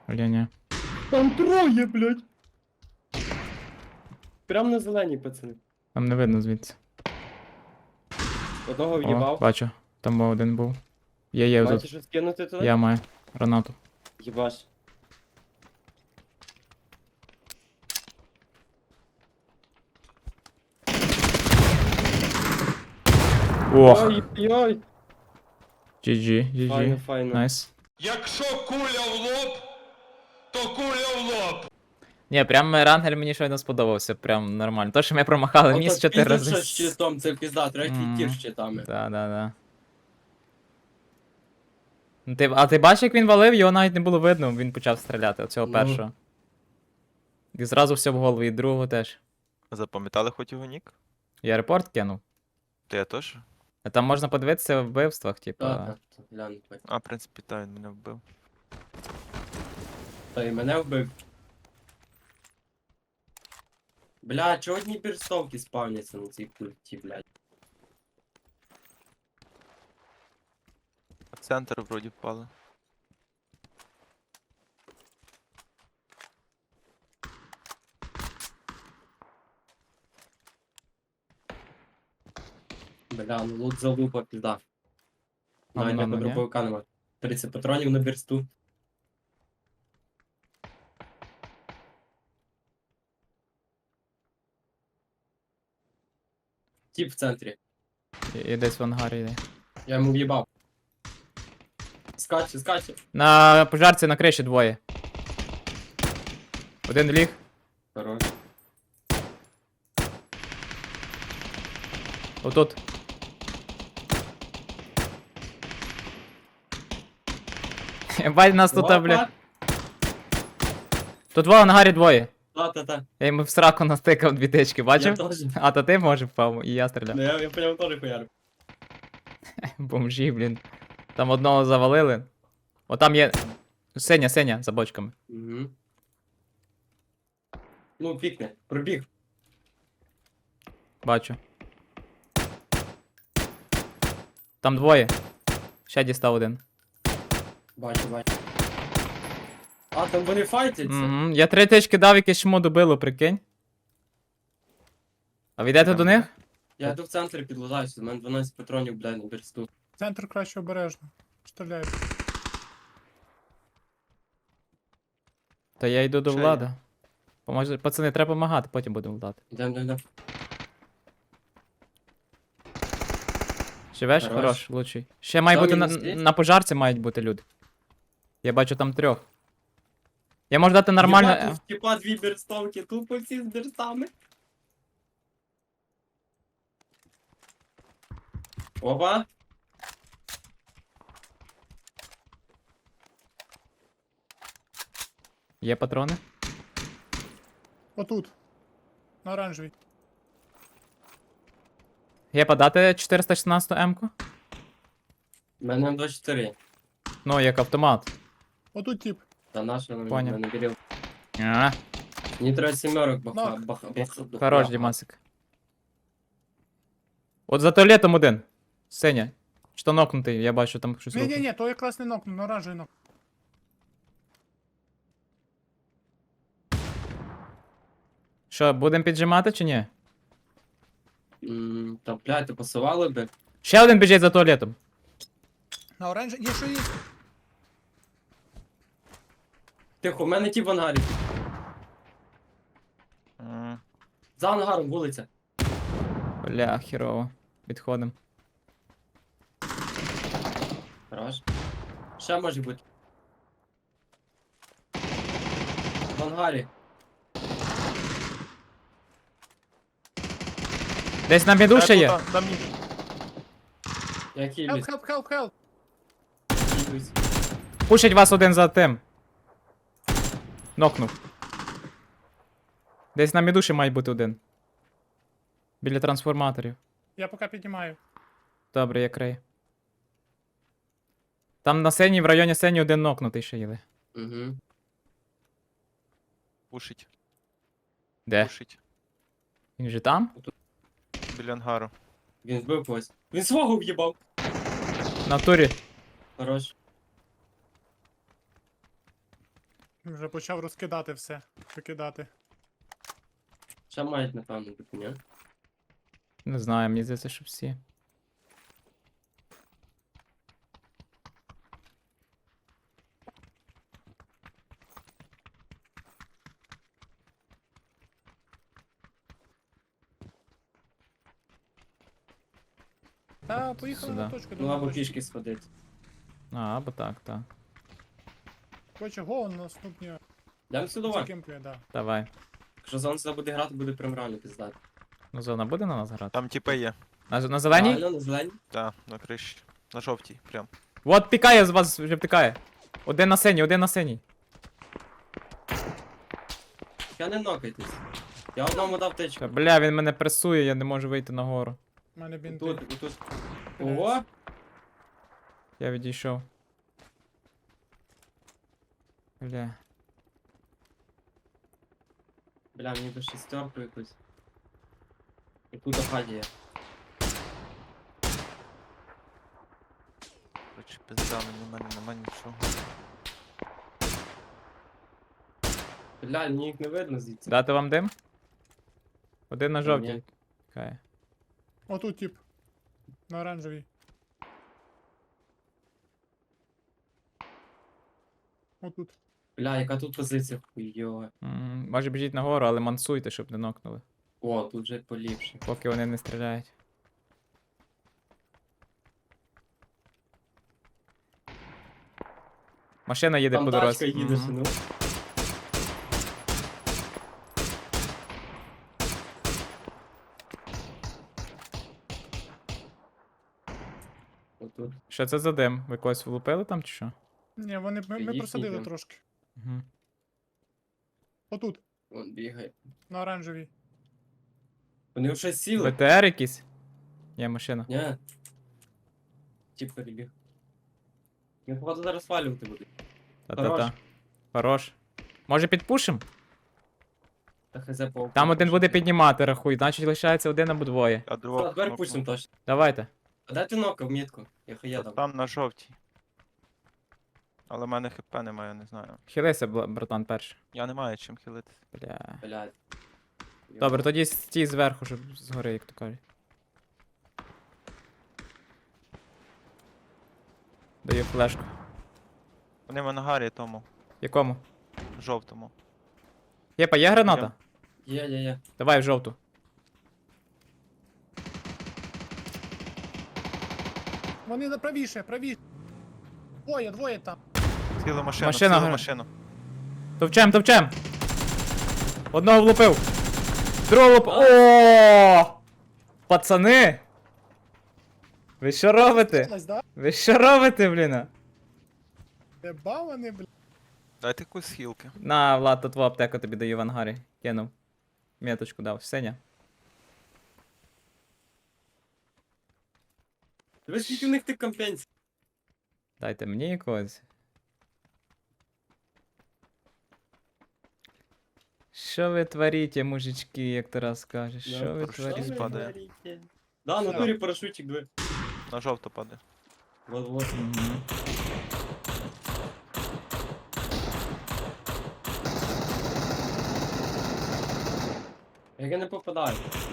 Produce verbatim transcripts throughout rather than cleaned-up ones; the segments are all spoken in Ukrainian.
Ні-ні. Там троє, блядь. Прям на зеленій, пацани. Там не видно звідси. Одного О, в'їбав. бачу. Там один був. Є, є Маєте тут. щось кинути туди? Я маю. Гранату. Єбаш. Ох. Ой-ой. джі джі, джі Файно, джі. файно. Найс. Якщо куля в лоб, то куля в лоб. Ні, прям рангель мені щойно сподобався, прям нормально. То, що ми промахали Ото міст чотири піздець, рази. що з щитом, це пізда, треба Мгм. тір з щитами. Да, да, да. Ну, Ти, а ти бачиш, як він валив, його навіть не було видно, він почав стріляти, оцього Ну. першого. І зразу все в голову, і другого теж. Запам'ятали хоч його нік? Я репорт кинув. То я теж? А там можна подивитися в вбивствах, типа. Так, так, глянь, бать. А, в принципі, та він мене вбив. Та і мене вбив. Бля, чого одні бірстовки спавняться на цій пульті, блядь? В центр вроді впали. Бля, ну лут залупа, пізда. А Навіть воно як на не є? дробовика нема. тридцять патронів на бірсту. Тіп в центрі. І, і десь в ангарі йде. Я йому в'їбав. Скаче, скаче. На пожарці на криші двоє. Один ліг. Хорош. Отут. Бать нас тут, а, бля. Тут два в ангарі двоє. Та-та-та. Я йому в сраку настикав дві тички, Я бачив? теж. А то ти може впав, і я стріляв. Ну я, я по ньому теж хуярив. Бомжі, блін. Там одного завалили. О, там є. Сеня, Сеня, за бочками. Угу. Ну, пікне. Пробіг. Бачу. Там двоє. Ще дістав один. Бачу, бачу. А, там вони файтяться. Угу. Я три тички дав, якесь чмо добило, прикинь. А ви йдете до них? Я йду в центрі підлазаюся, у мене дванадцять патронів, блядь, на бірсту. Центр краще обережно. Стріляю. Та я йду до Ще влада. Поможе... Пацани, треба допомагати, потім будемо влади. Йдем, йдем, йдем. Живеш? Хорош. Хорош, лучший. Ще має Там бути на, мінус є? на пожарці мають бути люди. Я бачу там трьох. Я можу дати нормально. Єба, тут типа дві бірстовки, тупо всі з бірстами. Опа. Є патрони? Отут. На оранжевій. Є подати чотириста шістнадцять М-ку? У мене М двадцять чотири. Ну, як автомат. Отут тип. Та наша на Поняв. мене вірив. А, Мені треба сімерок баха, Нок. баха, баха. хорош, Дімасик. От за туалетом один. Сеня. Що нокнутий, я бачу там щось. Ні, ні, рухає. ні, то якраз не нокну, на оранжевий нок. Що, будемо піджимати чи ні? М, Та, блядь, ти пасували би. Ще один біжить за туалетом. На оранжевий. Є, що є? Тихо, у мене ті в ангарі. М, За ангаром, вулиця. Бля, хірово. Відходимо. Хорош. Ще може бути. В ангарі. Десь на біду ще є. тут, там ні. Я Хелп, хілюсь. хелп, хелп, хелп. хілюсь. Пушить вас один за тим. Нокнув. Десь на міду ще має бути один. Біля трансформаторів. Я поки піднімаю. Добре, я крию. Там на сцені, в районі сцені один нокнутий ще є. Угу. Пушить, Де? пушить. Він же там? Біля ангару. Він збив когось. Він свого в'їбав. На турі. Хорош. Він вже почав розкидати все. Викидати. Ще мають, напевно, бути, ні? Не знаю, мені здається, що всі. Та, поїхали Сюди. на точку. Ну на або точку. пішки сходити. А, або так, так. Короче, го, наступні Йдемо сюди, давай. закемплює, да. Давай. Якщо зон сюди буде грати, буде прям реально піздати. Ну, зона буде на нас грати? Там тіпи є. На, на зеленій? Реально, на зелені? Так, на криші. На жовтій, прям. От пікає з вас, вже пікає. Один на синій, один на синій. Я не нокайтесь. Я одному дав тичку. Та, бля, він мене пресує, я не можу вийти нагору. У мене бінти. Тут, тут. Ого! Я відійшов. Бля. Бля, мені би шестерку якусь. І тут хаді є. Короче, пизда, мені в мене нема нічого. Бля, мені їх не видно звідси. Дати вам дим? Один на Ні. жовтій. Пікає. Отут тип. На оранжевій. Отут. Бля, яка тут позиція хуйова. М, Може біжіть нагору, але мансуйте, щоб не нокнули. О, тут вже поліпше. Поки вони не стріляють. Машина їде Там по тачка дорозі. їде, Мгм. ну. Отут. Що це за дим? Ви когось влупили там чи що? Ні, вони, ми, ми Їхній просадили дим. трошки. Угу. Отут, Вон бігає. на оранжевій. Вони вже сіли. БТР якийсь? Є машина. Ні. Тіп перебіг. Він походу зараз свалювати буде. Та-та-та. Хорош. Може підпушим? Та хз по Там один буде піднімати, рахуй, значить лишається один або двоє. Я Та, другого. тепер пустим точно. Давайте. А дайте нока в мітку. Я хая дам. Там на жовтій. Але в мене хп немає, не знаю. Хилися, бла- братан, перше. Я не маю чим хилитись. Бля. Блядь. Добре, тоді стій зверху, щоб згори, як то кажуть. Даю флешку. Вони в ангарі тому, Якому? жовтому. Єпа, є граната? Є, є, є. Давай в жовту. Вони на правіше, правіше. Двоє, двоє там. Ціла машина, Машина ціла гра- машину. Товчем, товчем! Одного влупив. Другого влупив. О! Пацани! Ви що робите? Сталось, да? Ви що робите, блін? Де бавани, бля. Дайте якусь хілки. На, Влад, тут твою аптеку тобі даю в ангарі. Кинув. Меточку дав. Сеня. Ви скільки в них тих компенсій? Дайте мені якогось. Що ви творите, мужички, як Тарас каже? Що ви парашут творите? спадає. говорите? Да, на турі парашутик диви. На жовто падає. Вот, вот. Мгм. Як я не попадаю.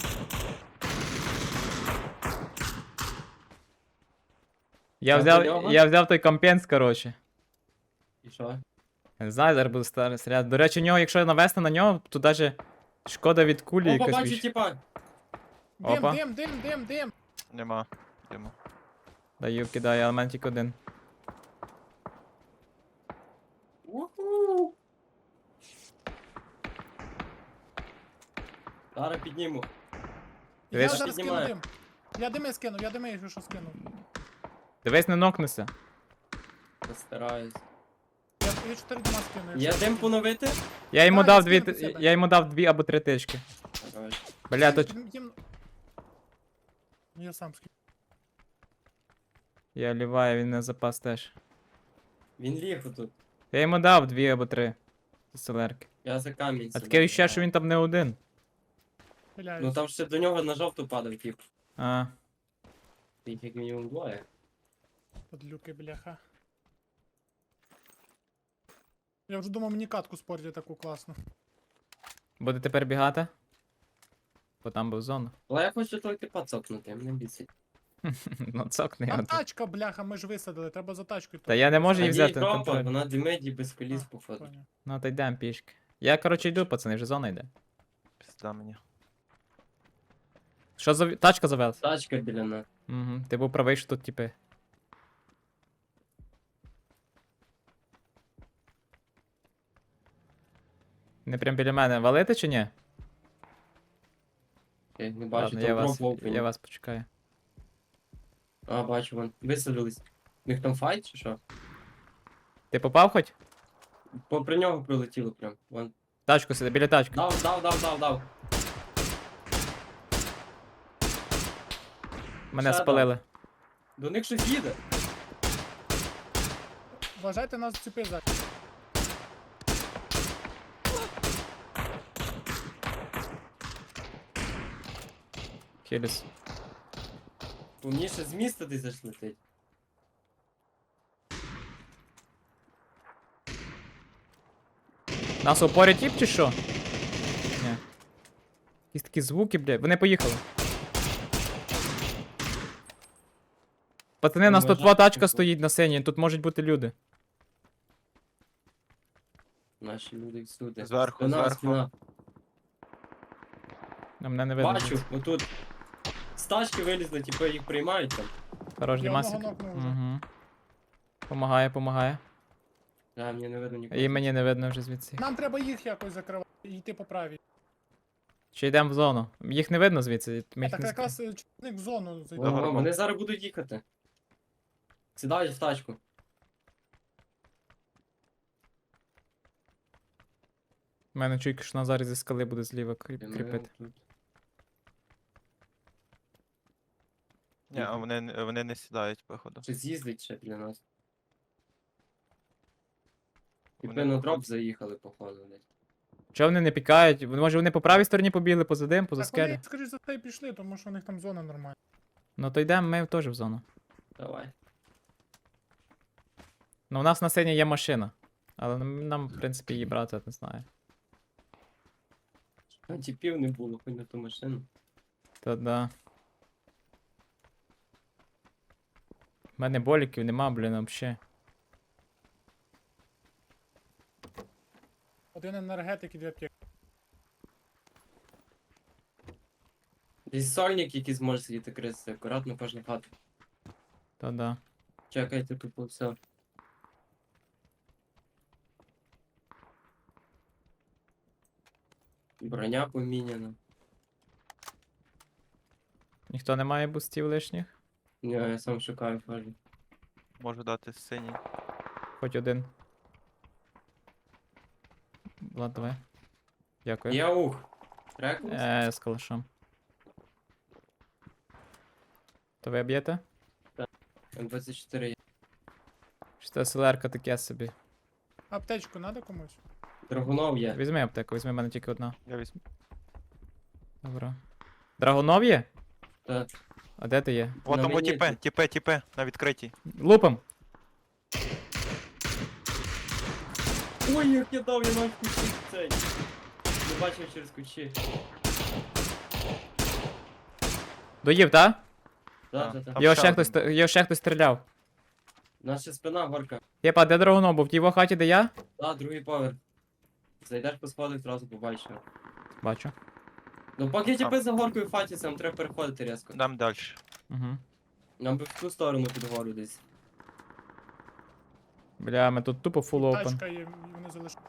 Я Так, взяв, у нього? я взяв той компенс, коротше. І що? Я не знаю, зараз буду старий стріляти. До речі, у нього, якщо навести на нього, то даже шкода від кулі О, якась побачу, більше. типа. Дим, Опа. дим, дим, дим, дим. Нема. Йдемо. Даю, кидаю, але в мене тільки один. Уху. Зараз підніму. Я Дивись. зараз скину Піднімаю. дим. Я дими скинув, я дими, якщо що скинув. Дивись, не нокнися. Постараюсь. Я, я чотири дима скину. Є дим поновити? Я йому Да, дав я дві, скину до себе. я йому дав дві або три тички. Короче. Бля, то Їм... Я сам скину. я ліваю, він на запас теж. Він ліг отут. Я йому дав дві або три. Селерки. Я за камінь. А сюди таке відчуття, що кидаю. він там не один. Пиляюсь. Ну там ще до нього на жовту падав, тип. А, Їх як мінімум двоє. Подлюки, бляха. Я вже думав, мені катку спортять таку класну. Будете перебігати? Бо там був зона. Але я хочу тільки пацокнути, мене бісить. Ну, цокни Там його. тут. тачка, бляха, ми ж висадили, треба за тачкою. Та я не можу її А взяти їй на тропа, контроль. вона димеді без коліс, А, походу. поняв. Ну, то йдемо пішки. Я, коротше, йду, пацани, вже зона йде. Пізда мені. Що за... Тачка завелась? Тачка біля нас. Угу. Ти був правий, що тут, типи. Не прям біля мене валити чи ні? Я не бачу, Ладно, там я дроп вас, в опені. я вас почекаю. А, бачу, вон, висадились. У них там файт чи що? Ти попав хоч? Попри нього прилетіло прям. Вон. Тачку сиди, біля тачки. Дав, дав, дав, дав, дав. Мене ще спалили. До них щось їде. Вважайте нас ціпи за. Хіліс. Повніше з міста десь аж летить. Нас опорять тіп чи що? Ні. Якісь такі звуки, блядь. Вони поїхали. Пацани, у нас Ну, тут ми два жахнемо. тачка стоїть на сцені, тут можуть бути люди. Наші люди всюди. Зверху, Спина, зверху. спина. А мене не видно. Бачу, звідси. отут. З тачки вилізли, типу їх приймають там. Хорош, Я Дімасик. одного нокнув вже. Угу. Помагає, помагає. Да, мені не видно нікого. І мені не видно вже звідси. Нам треба їх якось закривати і йти по правій. Чи йдемо в зону? Їх не видно звідси. Ми А їх так не якраз е, чоловік в зону зайде. Ого, Добре. вони зараз будуть їхати. Сідають в тачку. У мене чуйка, що Назар зі скали буде зліва кріп- І ми кріпити. тут. Ні, а вони, не- вони не сідають, походу. Щось їздить ще біля нас. Вони Типи на походу- дроп заїхали, походу, десь. Чого вони не пікають? Може вони по правій стороні побігли, поза дим, поза Так скелі? вони, скоріш за все, і пішли, тому що у них там зона нормальна. Ну то йдемо, ми теж в зону. Давай. Ну у нас на сцені є машина. Але нам, нам, в принципі, її брати, не знаю. А тіпів не було, хоч на ту машину. Та да. У мене боліків нема, блін, вообще. Один енергетик і дві аптеки. Десь сольник, який зможе сидіти крисити, акуратно кожна хата. Та да. Чекайте тупо все. Броня поміняна. Ніхто не має бустів лишніх. Ні, я сам шукаю фажу. Можу дати синій. Хоч один. Влад, давай. Дякую. Є ух. Трекнувся? Е, з калашом. То ви б'єте? М двадцять чотири є. Чи це селерка таке собі? Аптечку треба комусь? Драгунов є. Візьми аптеку, візьми, в мене тільки одна. Я візьму. Добре. Драгунов є? Та. А де ти є? О, На там о, мені тіпе, тут. тіпе, тіпе, на відкритій. Лупом! Ой, як я дав, я навіть кучі цей. Не бачив через кучі. Доїв, так? Да, А, да, да. там Його ще ще один. хтось, його ще хтось стріляв. Наша спина горка. Єпа, де Драгунов був? В тій його хаті, де я? Да, другий поверх. Зайдеш по сходах, одразу побачиш. його. Бачу. Ну поки тіпи за горкою фатяться, нам треба переходити різко. Дам далі. Угу. Нам би в ту сторону під гору десь. Бля, ми тут тупо фул опен. Тачка є, і вони залишили.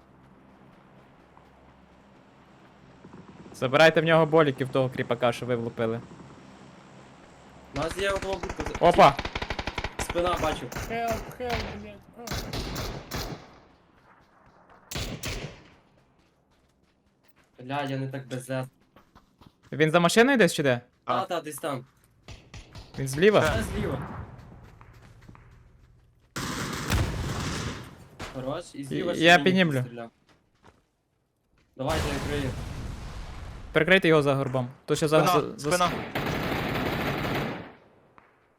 Забирайте в нього боліків того кріпака, що ви влупили. У нас є одного будку. Опа! Спина бачу. Хелп, хелп, блядь. А. Бля, я не так беззет. Він за машиною десь чи де? А, та, десь там. Він зліва? Та зліва. Хорош, і зліва ще Я мені піднімлю. стріляв. Давайте, я крию. Прикрийте його за горбом. То ще за... Спина, за... за... спина.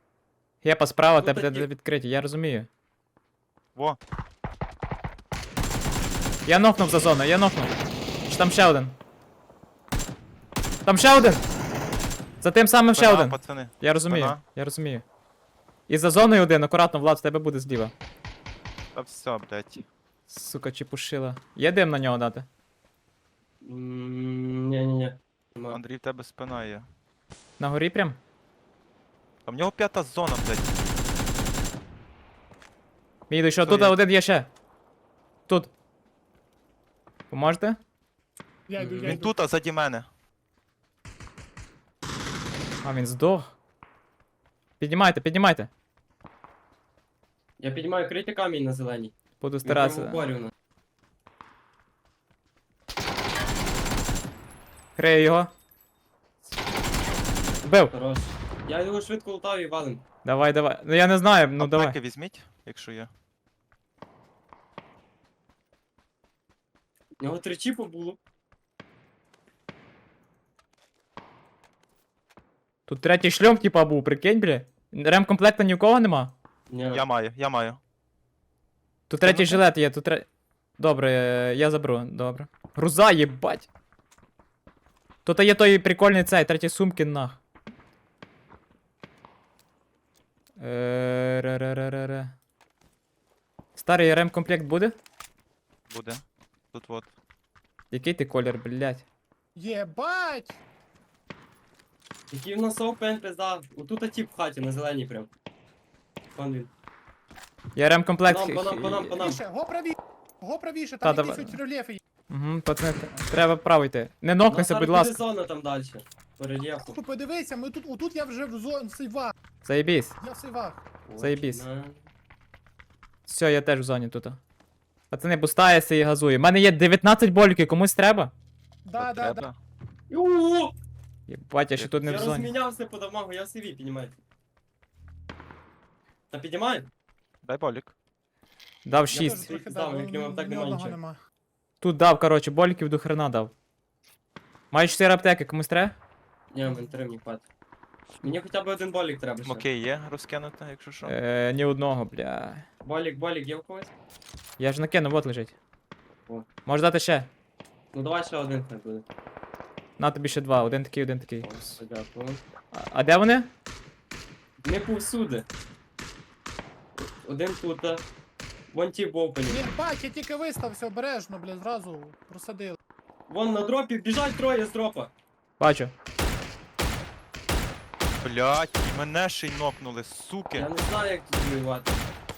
Єпа, справа, Ну, тебе тоді- де відкриті, я розумію. Во. Я нокнув за зону, я нокнув. Чи там ще один? Там ще один! За тим самим ще Спина, один. пацани. Я розумію, Спина. я розумію. І за зоною один, акуратно, Влад, в тебе буде зліва. Та все, блядь. Сука, чепушила. Є дим на нього дати? М, Ні-ні-ні. Нема. Андрій, в тебе спина є. На горі прям? А в нього п'ята зона, блядь. Мій що, Що тут є? один є ще. Тут. Поможете? Я йду, я Він йду. тут, а заді мене. А, він здох. Піднімайте, піднімайте. Я піднімаю крити камінь на зеленій. Буду Він прямо в старатися. упорі у нас. Крию його. Вбив. Хорош. Я його швидко лутав і валим. Давай, давай. Ну я не знаю, ну Аптеки давай. візьміть, якщо є. У нього три чіпи було. Тут третій шльом, типа, був, прикинь, бля. Ремкомплекта ні у кого нема? Ні. Я маю, я маю. Тут третій Кинути? жилет є, тут третій. Добре, е, я заберу, добре. Груза, єбать. Тут є той прикольний цей, третій сумки нах. Е, ре-ре-ре-ре-ре. Старий ремкомплект буде? Буде. Тут от. Який ти колір, блядь? Єбать! Який в нас опен, пизда. Отут тип в хаті, на зеленій прям. Вон він. Я ремкомплект. По нам, по нам, по нам, по нам. Правіше, го правіше, го правіше, Та, там якісь давай. от рельєфи є. Угу, пацани, треба право йти. Не У нокнися, нас будь зараз ласка. буде зона там далі. По рельєфу. Ти подивися, ми тут, отут я вже в зоні сейвах, Заєбісь. я в сейвах. Заєбісь. На. Все, я теж в зоні тут. Пацани, бустається і газує. У мене є дев'ятнадцять боліків, комусь треба? Да, От да, да. треба. О! Єбать, я ще тут не Я в зоні. розмінявся по дамагу, я в сиві, піднімайте. Та піднімай? Дай болік. Дав Я шість. теж трохи Здав, дав, як нема, так ні нема одного нічого. нема. Тут дав, коротше, боліків до хрена дав. Маю чотири аптеки, комусь треба? Ні, мен три мені хватить. Мені хоча б один болік треба ще. Окей, є розкинути, якщо що. Е, ні одного, бля. Болік, болік є в когось? Я ж накину, вот лежить. О. Можеш дати ще? Ну давай ще один хай буде. На тобі ще два, один такий, один такий. О, дякую. А, а де вони? Не повсюди. Один тут. а. Вон ті в опені. Єбать, я тільки вистався обережно, бля, зразу просадили. Вон на дропі, біжать троє з дропа. Бачу. Блядь, і мене ще й нокнули, суки. Я не знаю, як тут воювати.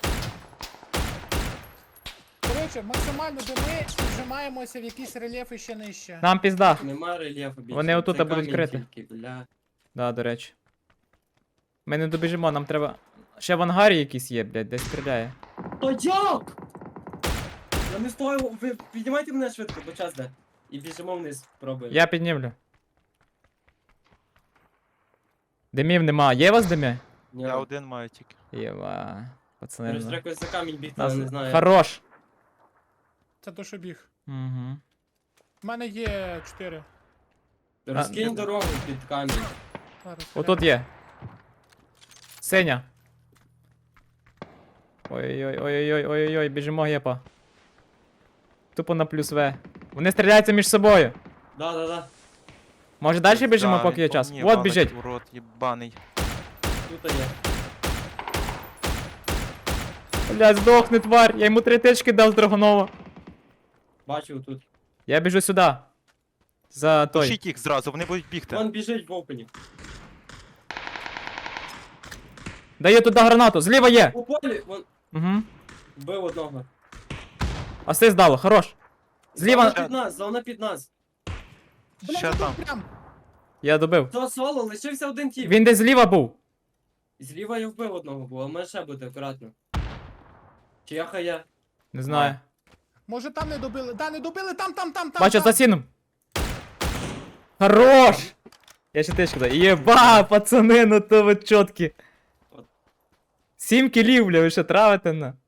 Коротше, максимально до ми вжимаємося в якісь рельєфи ще нижче. Нам пізда. Нема рельєфу більше. Вони отут Це будуть камінь крити. тільки, бля. Да, до речі. Ми не добіжимо, нам треба. Ще в ангарі якийсь є, блядь, десь стріляє. Та як? Я не стою, ви піднімайте мене швидко, бо час де. І біжимо вниз, пробуємо. Я піднімлю. Димів нема. Є у вас димі? Ні, Я один маю тільки. Єва. Пацани. Короче, ну. треба якось за камінь бігти, Нас... але не знаю. Хорош. Це то, що біг. Угу. У мене є чотири. Розкинь А, дорогу під камінь. Зараз, Отут є. Синя. Ой-ой-ой, ой-ой-ой, ой-ой-ой, біжимо гепа. Тупо на плюс В. Вони стріляються між собою. Да, да, да. Може далі біжимо, Да, поки є він по час? мені От валить, біжить. Урод, єбаний. Тут є. Блядь, здохни, тварь. Я йому три тички дав з Драгонова. Бачу тут. Я біжу сюди. За той. Пишіть їх зразу, вони будуть бігти. Вон біжить в опені. Даю туди гранату. Зліва є. У полі, вон, Угу. вбив одного. Асист дало, хорош. Зліва. Зона під нас, зона під нас. Бля, Ще отут там. прям. Я добив. То соло, лишився один тіп. Він десь зліва був. Зліва я вбив одного був, а може ще бути акуратно. Чи я хай я? Не знаю. Може там не добили. Да, не добили, там, там, там, там. Бачу, там. за сіном. Хорош! Я ще тичку даю. Єба, пацани, ну то ви чоткі. Сім кілів, бля, ви що травите на?